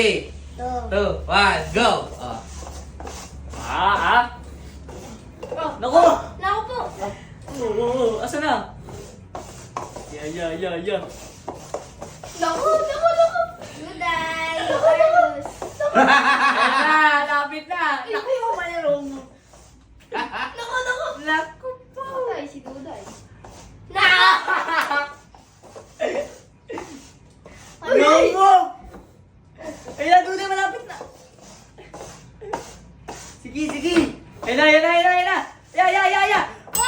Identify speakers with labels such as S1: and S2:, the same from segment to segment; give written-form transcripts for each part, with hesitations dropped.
S1: 3, 2, 1, go! Oh.
S2: Naku!
S3: Naku po.
S2: Oo, asa na? Yeah.
S3: Naku. Duday. Carlos.
S2: Ayan na, lapit na. Naku, yung malaro mo.
S3: Naku po. Duday, si Duday.
S2: Naku! Ayan, doon na, malapit na. Sige. Ayan na. Ya.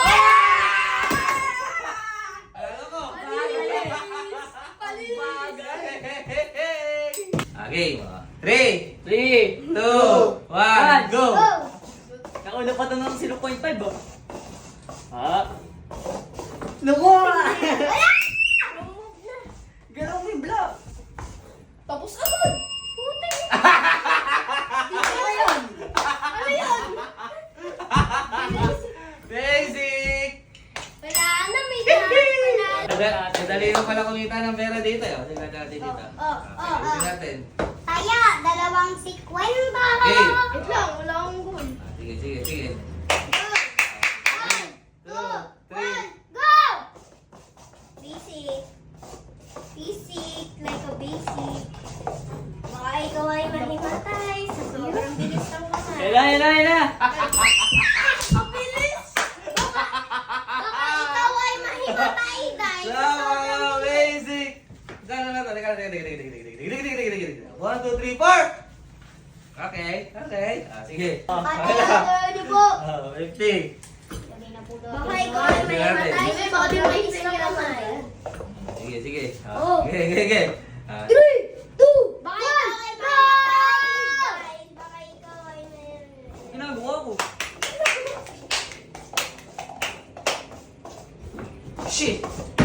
S1: Ano ko?
S3: Palis.
S1: Okay, 3,
S2: 3,
S1: 2, 1, go!
S2: Nauna pa ito ng 0.5 oh. Naku! Galaw mo yung block.
S3: Tapos agad. Puting. Ano yun?
S1: Basic!
S3: Wala na, may daan.
S1: Madali mo pala kumita ng pera dito. Tingnan natin dito. Tingnan natin.
S4: Kaya, 2.50.
S1: Okay.
S3: Wait lang, wala akong goal.
S1: Sige.
S4: 1, 2, 1, go! Basic, like a basic. Baka ikaw ay mahimatay sa sobrang bilis ng kamay.
S2: Ayan na.
S4: Ang bilis! Baka ikaw ay mahimatay dahil sa sobrang
S1: Sama,
S4: bilis.
S1: basic! Gano'n na ito? Teka. 1, 2, 3, 4! Okay. Sige.
S4: Ano po?
S1: 50.
S4: Baka ikaw ay mahimatay sa sobrang bilis ng kamay.
S1: Sige.
S4: Oh.
S1: Okay.
S4: 3, 2, baka ikaw ay mahimatay. Baka ikaw ay mahimatay.
S2: Ginagawa ko.
S1: Shit!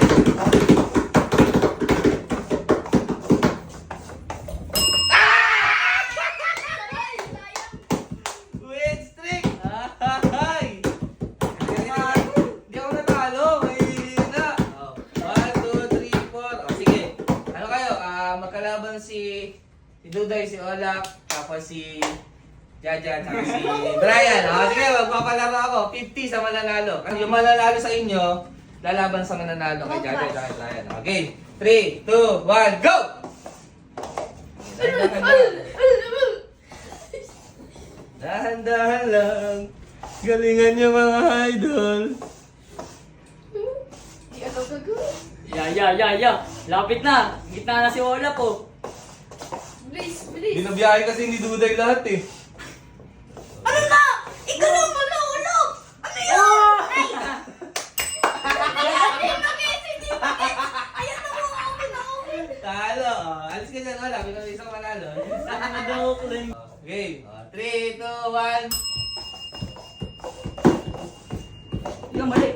S1: Win streak! Ay! Hindi ako natalo. Mahihina. 1, 2, 3, 4. Sige. Ano kayo? Magkalaban si Duday, si Olak, tapos si Jaja, tapos si Brian. Sige, magpapalaro ako. 50 sa mananalo. Yung mananalo sa inyo, lalaban sa mananalo kay Jaja at kay Brian. Okay. 3, 2, 1, go! Dahan-dahan lang. Galingan niyo mga idol.
S3: Di ako gagawin.
S2: Ya. Lapit na. Gitna na si Ola po.
S3: Bilis.
S1: Binabiyahe kasi ni Duday lahat eh.
S4: Ano na? Igalaw mo na ulo! Ano yun? Ayan na mo, open.
S1: Talo. Alis ka dyan, wala. Pinag-isa ko manalo. Okay. 3, 2, 1.
S2: Yung mali.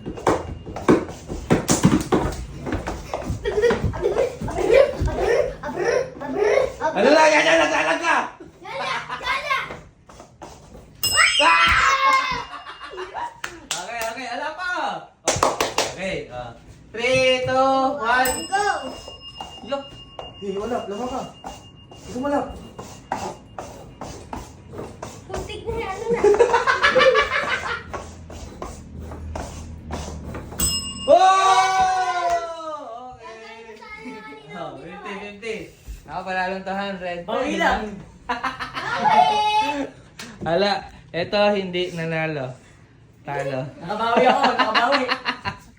S1: Ano na? Yan! Naglalag ka! Okay. Ala pa! Okay. 3, 2, 1.
S4: Go!
S1: Yok! Wala. Lama ka. Ikaw malap.
S4: Putik na yan, ano na?
S1: Oh! Okay. 50. Ako panalong 200.
S2: Bawi lang.
S1: Hala, eto hindi nanalo. Talo.
S2: Nakabawi ako.